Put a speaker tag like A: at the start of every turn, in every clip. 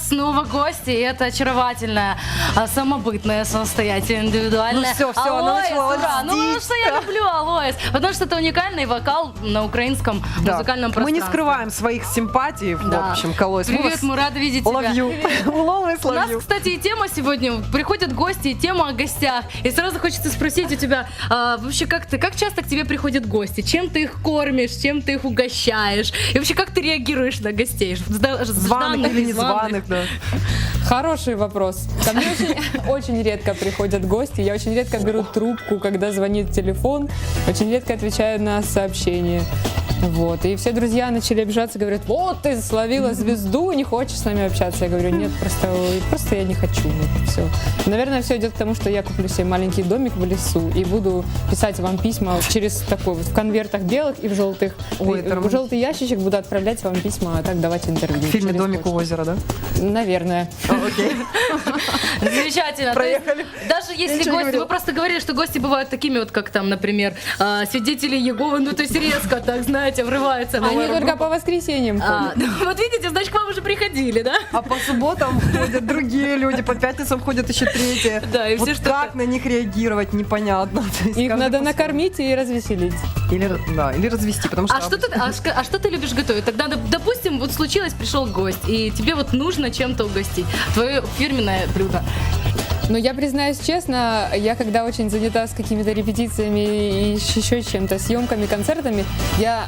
A: нас снова гости, и это очаровательная, самобытная, самостоятельная, индивидуальная.
B: Ну все, она начала
A: ура! Ну что я люблю Алоэс, потому что это уникальный вокал на украинском музыкальном пространстве.
B: Мы не скрываем своих симпатий, в общем, к Алоэс.
A: Привет, мы рады видеть тебя.
B: Love you. Always love
A: У нас,
B: you.
A: кстати, и тема сегодня, приходят гости, и тема о гостях. И сразу хочется спросить у тебя, вообще, как часто к тебе приходят гости? Чем ты их кормишь, чем ты их угощаешь? И вообще, как ты реагируешь на гостей?
B: Званых или незваных, да.
C: Хороший вопрос. Ко мне очень редко приходят гости. Я очень редко беру трубку, когда звонит телефон. Очень редко отвечаю на сообщения. Вот. И все друзья начали обижаться, говорят: вот ты словила звезду, не хочешь с нами общаться. Я говорю: нет, просто я не хочу. Вот, все. Наверное, все идет к тому, что я куплю себе маленький домик в лесу и буду писать вам письма через такой вот в конвертах белых и в желтых. В желтый ящичек буду отправлять вам письма, а так давать интервью.
B: В фильме «Домик у озера», да?
C: Наверное.
B: Окей.
A: Замечательно.
B: Проехали.
A: Даже если гости, вы просто говорили, что гости бывают такими вот, как там, например, свидетели Иеговы, ну то есть резко так, знаете, врываются.
C: Они только по воскресеньям ходят.
A: Вот видите, значит, к вам уже приходили, да?
B: А по субботам ходят другие люди, по пятницам ходят еще третьи.
A: Да, и
B: вот
A: все что-то.
B: как на них реагировать, непонятно.
C: Их надо накормить и развеселить.
B: Или развести, потому что...
A: А что ты любишь готовить? Тогда, допустим, вот случилось, пришел гость, и тебе вот нужно чем-то угостить. Твое фирменное блюдо.
C: Но я признаюсь честно, я когда очень занята с какими-то репетициями и еще чем-то, съемками, концертами, я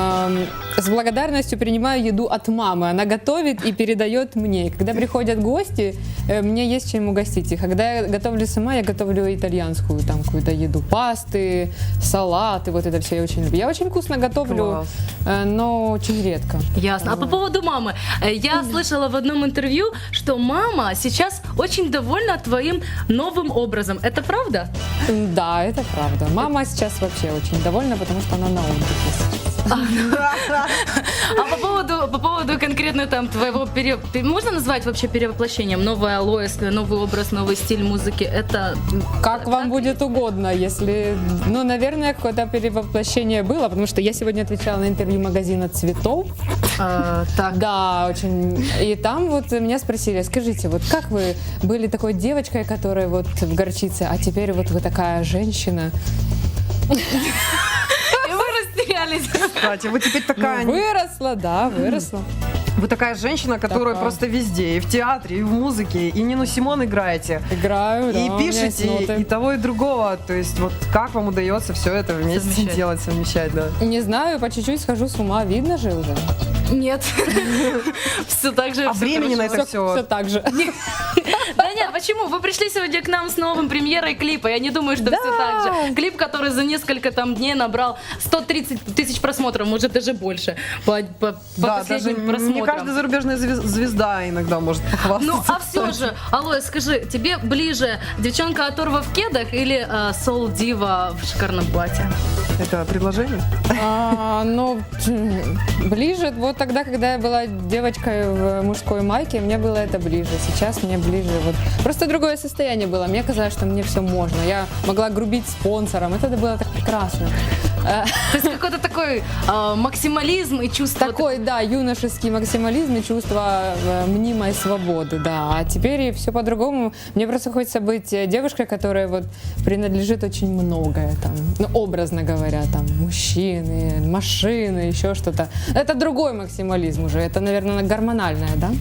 C: с благодарностью принимаю еду от мамы. Она готовит и передает мне. И когда приходят гости, мне есть чем угостить их. Когда я готовлю сама, я готовлю итальянскую там какую-то еду. Пасты, салаты, вот это все я очень люблю. Я очень вкусно готовлю, но очень редко.
A: Ясно. А по поводу мамы. Я слышала в одном интервью, что мама сейчас очень довольна твоим новым образом. Это правда?
C: Да, это правда. Мама сейчас вообще очень довольна, потому что она на отдыхе сейчас.
A: А по поводу конкретно там твоего можно назвать вообще перевоплощением? Новая Алоэс, новый образ, новый стиль музыки. Это
C: как вам будет угодно, если... Ну, наверное, какое-то перевоплощение было, потому что я сегодня отвечала на интервью магазина цветов.
A: Так.
C: Да, очень. И там вот меня спросили: скажите, вот как вы были такой девочкой, которая вот в горчице, а теперь вот вы такая женщина?
A: И вы растерялись.
B: Кстати, вы теперь такая...
C: Выросла, да, выросла.
B: Вы такая женщина, которая просто везде, и в театре, и в музыке, и Нину Симон играете.
C: Играю, да.
B: И пишете, и того, и другого. То есть вот как вам удается все это вместе делать, совмещать, да?
C: Не знаю, по чуть-чуть схожу с ума, видно же уже.
A: Нет. Все так же.
B: А времени на это все...
C: Все так же.
A: Да нет, почему? Вы пришли сегодня к нам с новым премьерой клипа. Я не думаю, что все так же. Клип, который за несколько там дней набрал 130 тысяч просмотров, может даже больше. По последним просмотрам.
B: Не каждая зарубежная звезда иногда может похвастаться.
A: Ну, а все же, Алоэс, скажи, тебе ближе девчонка оторва в кедах или соул-дива в шикарном платье?
B: Это предложение?
C: Ну, ближе, вот тогда, когда я была девочкой в мужской майке, мне было это ближе. Сейчас мне ближе вот. Просто другое состояние было. Мне казалось, что мне все можно. Я могла грубить спонсорам. Это было так прекрасно.
A: То есть какой-то такой максимализм и чувство...
C: Такой, да, юношеский максимализм и чувство мнимой свободы, да. А теперь все по-другому. Мне просто хочется быть девушкой, которая вот принадлежит очень многое, там, ну, образно говоря, там, мужчины, машины, еще что-то. Это другой максимализм уже. Это, наверное, гормональное, да?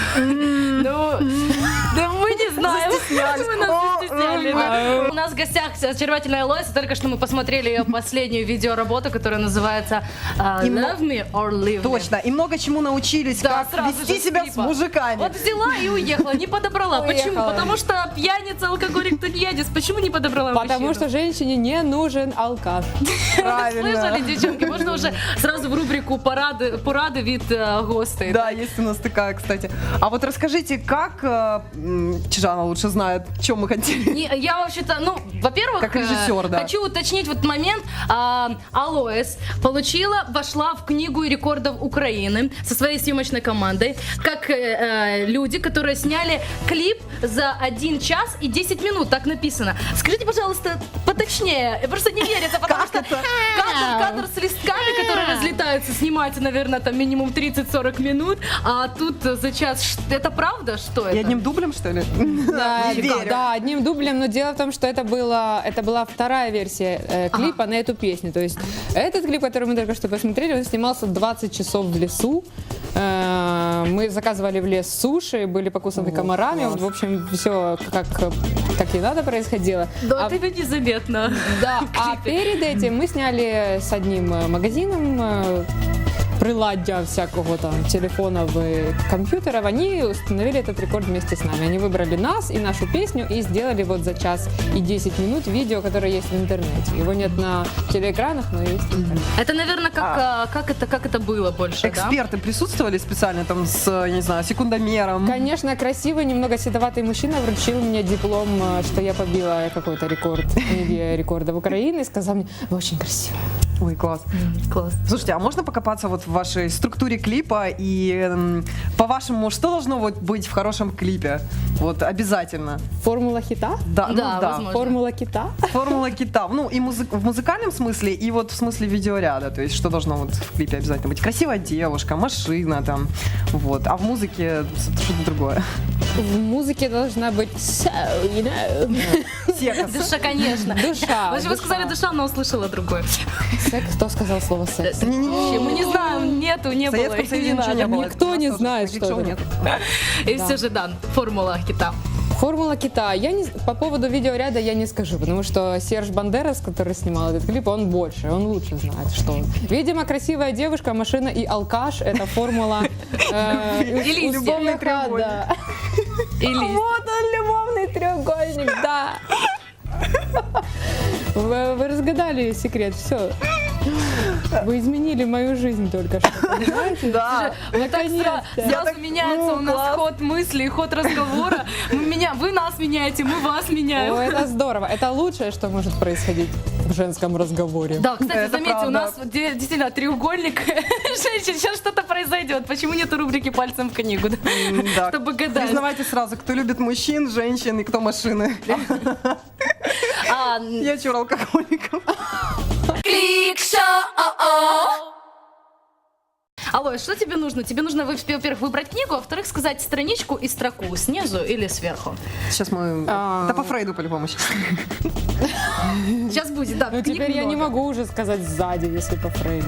A: Ну, да мы не знаем. Мы нас застесняли. У нас в гостях очаровательная Алоэс. Только что мы посмотрели ее последнюю видеоработу, которая называется Love Me or Leave Me.
B: Точно. И много чему научились, как вести себя с мужиками.
A: Вот взяла и уехала, не подобрала. Почему? Потому что пьяница, алкоголик, тунеядец. Почему не подобрала мужчину?
C: Потому что женщине не нужен алкаш.
B: Правильно.
A: Слышали, девчонки? Можно уже сразу в рубрику «Поради від гостей».
B: Да, есть у нас такая, кстати. А вот расскажите, как Чижана лучше знает, чем мы хотели?
A: Я вообще-то, ну, во-первых,
B: как режиссер, да.
A: Хочу уточнить вот момент. Алоэс вошла в книгу рекордов Украины со своей съемочной командой, как люди, которые сняли клип за 1 час и 10 минут, так написано. Скажите, пожалуйста, поточнее, просто не верится, потому что кадр с листками, которые разлетаются, снимается, наверное, там минимум 30-40 минут, а тут за час. Это правда, что это?
B: И одним дублем, что ли?
C: Да,
B: Не верю.
C: да, одним дублем, но дело в том, что это была вторая версия клипа на эту песню. То есть этот клип, который мы только что посмотрели, он снимался 20 часов в лесу. Мы заказывали в лес суши, были покусаны комарами.
B: класс.
C: В общем, все как и надо происходило.
A: Да, это незаметно.
C: Да, а перед этим мы сняли с одним магазином приладдя всякого там телефонов и компьютеров, они установили этот рекорд вместе с нами. Они выбрали нас и нашу песню и сделали вот за час и 10 минут видео, которое есть в интернете. Его нет на телеэкранах, но есть в интернете.
A: Это, наверное, как это было больше, да?
B: Эксперты присутствовали специально там с, я не знаю, секундомером?
C: Конечно, красивый, немного седоватый мужчина вручил мне диплом, что я побила какой-то рекорд книги рекордов Украины, и сказал мне: вы очень красивая.
B: Ой, класс.
A: Класс.
B: Слушайте, а можно покопаться вот в вашей структуре клипа и, по-вашему, что должно вот быть в хорошем клипе? Вот обязательно.
C: Формула хита?
B: Да, ну
A: Да,
B: да.
A: возможно.
C: Формула кита?
B: Формула кита. Ну и в музыкальном смысле, и вот в смысле видеоряда. То есть что должно вот в клипе обязательно быть? Красивая девушка, машина там. Вот. А в музыке что-то другое.
C: В музыке должна быть so, you know.
B: Секс.
A: Душа, конечно.
C: Душа.
A: Вы же сказали душа, но услышала другое.
C: Секс? Кто сказал слово секс?
B: Не-не-не.
A: Мы не знаем, нету, не
B: В
A: было.
B: Советском
A: и
B: Союзе
A: не
B: ничего
A: надо.
B: не было.
C: Никто не
B: У нас
C: знает,
B: тоже
C: что
B: таких
C: это.
B: шоу нет.
A: И все же, да, формула кита.
C: Формула кита. По поводу видеоряда я не скажу, потому что Серж Бандерас, который снимал этот клип, он больше, он лучше знает, что он. Видимо, красивая девушка, машина и алкаш — это формула
A: Или
C: любовных
B: треугольник.
C: да.
A: Или
C: Вот он, любовный треугольник, да. Вы разгадали секрет, все. Вы изменили мою жизнь только что, понимаете?
B: Да.
A: вот так
C: Наконец-то.
A: сразу меняется у нас ход мысли, ход разговора. Вы нас меняете, мы вас меняем.
C: О, это здорово. Это лучшее, что может происходить в женском разговоре.
A: Да, кстати,
B: Это
A: заметьте,
B: правда.
A: у нас действительно треугольник женщин. Сейчас что-то произойдет. Почему нету рубрики «Пальцем в книгу»? Да?
B: Да.
A: Чтобы гадать.
B: Признавайте сразу, кто любит мужчин, женщин и кто машины.
A: А,
B: Я чур алкоголиков.
A: Алло, что тебе нужно? Тебе нужно, во-первых, выбрать книгу, а во-вторых, сказать страничку и строку снизу или сверху.
B: Сейчас мы... Да по Фрейду по-любому сейчас.
A: Сейчас будет, да.
C: Ну
A: книг
C: теперь я не
A: много.
C: могу уже сказать сзади, если по Фрейду.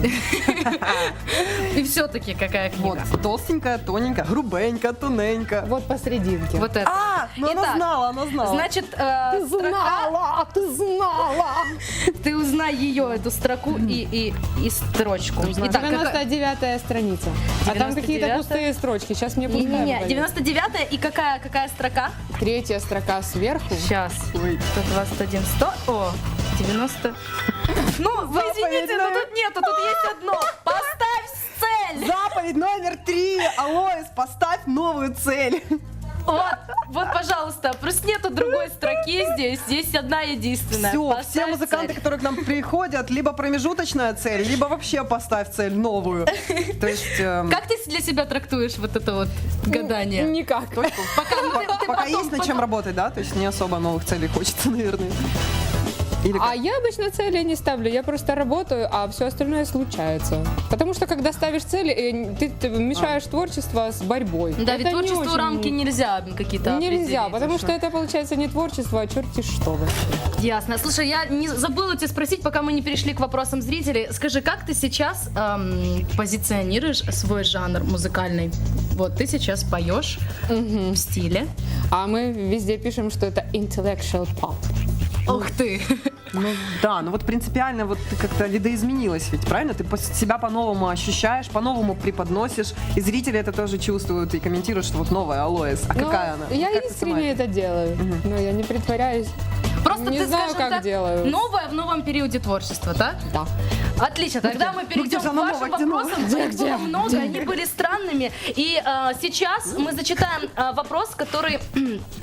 A: И все-таки какая книга?
B: Вот, толстенькая, тоненькая, грубенькая, тоненькая.
C: Вот посерединке.
A: Вот это.
B: Ну она
A: Итак,
B: знала, она знала.
A: Значит, строка,
C: ты знала!
A: ты узнай ее, эту строку и строчку. Итак,
C: 99-я страница. А там какие-то
A: 99-я?
C: пустые строчки. Сейчас мне пускай
A: Не,
C: выдают.
A: 99-я и какая строка?
C: Третья строка сверху.
A: Сейчас.
B: Ой.
A: 121, 100. О, 90. Ну, вы извините, но тут нету, тут есть одно. Поставь цель.
B: Заповедь номер 3. Алоис, поставь новую цель.
A: Вот, пожалуйста, просто нету другой строки здесь одна единственная.
B: Все,
A: Поставь
B: все музыканты,
A: цель.
B: которые к нам приходят, либо промежуточная цель, либо вообще поставь цель новую. То есть...
A: Как ты для себя трактуешь вот это вот гадание?
C: Никак.
B: Пока есть над чем работать, да? То есть не особо новых целей хочется, наверное. Или
C: А
B: как?
C: я обычно цели не ставлю, я просто работаю, а все остальное случается. Потому что когда ставишь цели, ты мешаешь творчество с борьбой.
A: Да,
C: Это
A: ведь
C: не
A: творчеству
C: очень-
A: рамки нельзя какие-то
C: Нельзя,
A: определить.
C: потому что это получается не творчество, а черти что вообще.
A: Ясно. Слушай, я не забыла тебя спросить, пока мы не перешли к вопросам зрителей. Скажи, как ты сейчас позиционируешь свой жанр музыкальный? Вот ты сейчас поешь в стиле.
C: А мы везде пишем, что это intellectual pop.
A: Ух ты!
B: Ну да, ну вот принципиально вот ты как-то видоизменилась ведь, правильно? Ты себя по-новому ощущаешь, по-новому преподносишь, и зрители это тоже чувствуют и комментируют, что вот новая Алоис. А
C: Ну,
B: какая она?
C: Я
B: Как ты сама
C: искренне это делаю, но я не притворяюсь.
A: Просто
C: Не
A: ты,
C: знаю,
A: скажем
C: как
A: так,
C: делаю.
A: новое в новом периоде творчества, так?
C: Да.
A: Отлично, тогда мы перейдем
B: где же
A: к
B: оно
A: вашим
B: новое, где новое?
A: вопросам. Их было много, они были странными. И сейчас мы зачитаем вопрос, который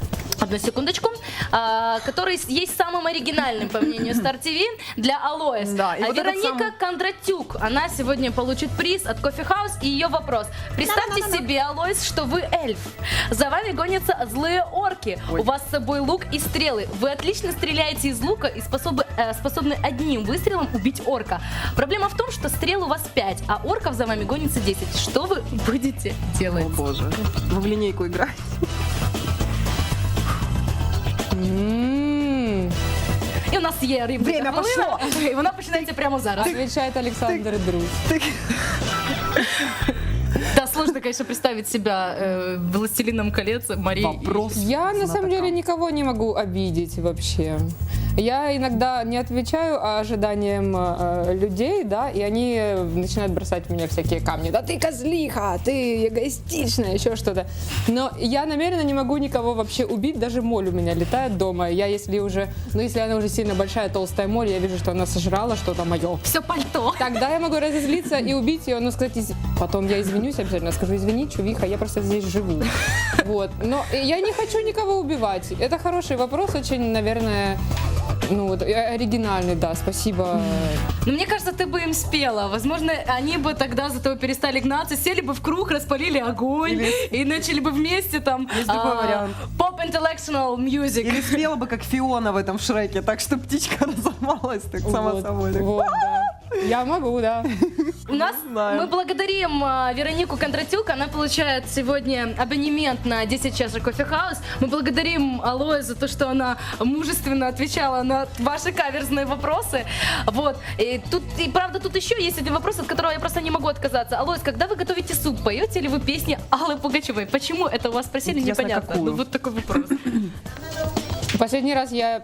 A: одну секундочку, который есть самым оригинальным, по мнению Star TV, для Алоэс.
B: Да, и вот этот
A: Вероника
B: самый-
A: Кондратюк, она сегодня получит приз от Coffee House, и ее вопрос. Представьте себе, Алоэс, что вы эльф. За вами гонятся злые орки.
B: Ой.
A: У вас с собой лук и стрелы. Вы отлично стреляете из лука и способны одним выстрелом убить орка. Проблема в том, что стрел у вас 5, а орков за вами гонится 10. Что вы будете делать?
B: О боже. Вы в линейку играете?
A: І у нас є рибка.
B: Время пошло.
A: І вона починається прямо зараз.
C: Отвечает Александр Друз.
A: Да, сложно, конечно, представить себя властелином колец Марии.
B: Вопрос.
C: Я на самом деле
B: знатока.
C: никого не могу обидеть вообще. Я иногда не отвечаю ожиданиям людей, да, и они начинают бросать в меня всякие камни. Да ты козлиха, ты эгоистичная, еще что-то. Но я намеренно не могу никого вообще убить, даже моль у меня летает дома. Я если она уже сильно большая, толстая моль, я вижу, что она сожрала что-то мое.
A: Все пальто.
C: Тогда я могу разозлиться и убить ее, но сказать, потом я извинюсь обязательно, скажу, извини, чувиха, я просто здесь живу. Вот. Но я не хочу никого убивать. Это хороший вопрос, очень, наверное, оригинальный, да, спасибо.
A: Но мне кажется, ты бы им спела. Возможно, они бы тогда за тобой перестали гнаться, сели бы в круг, распалили огонь и начали бы вместе там
B: Есть такой вариант.
A: поп-intellectual music.
B: Или спела бы, как Фиона в этом Шреке, так что птичка разорвалась так сама
C: Вот,
B: собой. Так.
C: вот, да. Я могу, да.
A: У нас
B: знаю.
A: мы благодарим Веронику Кондратюк. Она получает сегодня абонемент на 10 чашек Coffee House. Мы благодарим Алоэ за то, что она мужественно отвечала на ваши каверзные вопросы. Вот. И правда, тут еще есть один вопрос, от которого я просто не могу отказаться. Алоэ, когда вы готовите суп, поете ли вы песни Аллы Пугачевой? Почему это у вас спросили,
B: Интересно,
A: непонятно.
B: какую?
A: Ну вот такой вопрос.
C: Последний раз я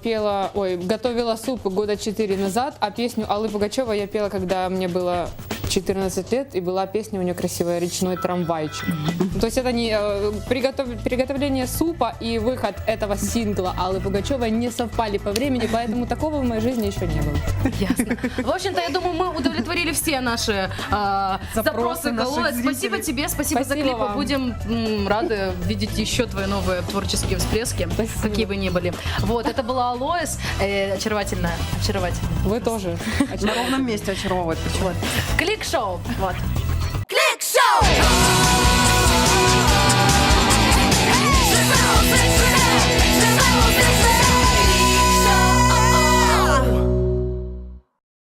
C: готовила суп года 4 назад, а песню Аллы Пугачевой я пела, когда мне было 14 лет, и была песня у нее красивая «Речной трамвайчик». То есть это не приготовление супа и выход этого сингла Аллы Пугачевой не совпали по времени, поэтому такого в моей жизни еще не было.
A: Ясно. В общем-то, я думаю, мы удовлетворили все наши запросы к
B: наших
A: Алоэ. Спасибо
B: зрителей.
A: тебе, спасибо за
C: Спасибо
A: клипы.
C: вам.
A: Будем рады видеть еще твои новые творческие всплески,
C: Спасибо.
A: какие бы ни были. Вот, это была Алоэс, очаровательная.
C: Вы тоже.
B: На ровном месте очаровывает. Почему?
A: Клик-шоу. Вот.